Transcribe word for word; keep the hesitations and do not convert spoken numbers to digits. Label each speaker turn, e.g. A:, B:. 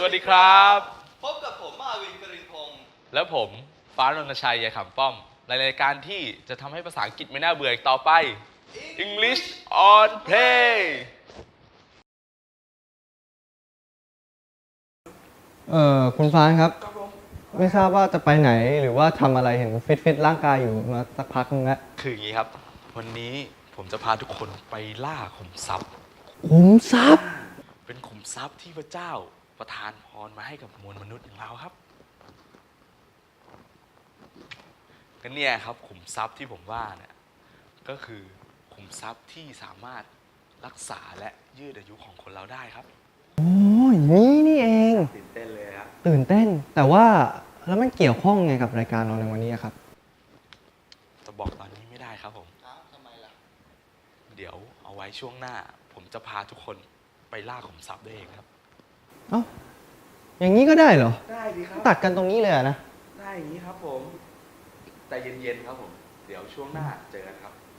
A: วัสดีครับ
B: พบกับผมมาวินกรินพงศ์
A: และผมฟ้ารณชัยยายขำป้อมในรายการที่จะทำให้ภาษาอังกฤษไม่น่าเบื่ออีกต่อไป English on Play
C: เอ่อคุณฟ้านครับ ไม่ทราบว่าจะไปไหนหรือว่าทำอะไรเห็นฟิตฟิตร่างกายอยู่มาสักพักนึงแล้ว
A: คืออย่างนี้ครับ วันนี้ผมจะพาทุกคนไปล่าขุมทรัพย์
C: ขุมทรัพย์
A: เป็นขุมทรัพย์ที่พระเจ้าประทานพรมาให้กับมวลมนุษย์อย่างเราครับก็เนี่ยครับขุมทรัพย์ที่ผมว่าเนี่ยก็คือขุมทรัพย์ที่สามารถรักษาและยืดอายุของคนเราได้ครับ
C: โอ้ยนี่นี่เอง
A: ตื่นเต้นเลยครับ
C: ตื่นเต้น แต่ว่าแล้วมันเกี่ยวข้องไงกับรายการเราในวันนี้ครับ
A: จะบอกตอนนี้ไม่ได้ครับผม
B: อ้าวทำไมล่ะ
A: เดี๋ยวเอาไว้ช่วงหน้า ผมจะพาทุกคนไปล่าขุมทรัพย์ด้วยเองครับ
C: เอ้าอย่างนี้ก็ได้เหรอ
A: ได้ดีครับ
C: ตัดกันตรงนี้เลยอะนะ
A: ได้อย่างนี้ครับผมใจเย็นๆครับผม เดี๋ยวช่วงหน้าเจอกันครับ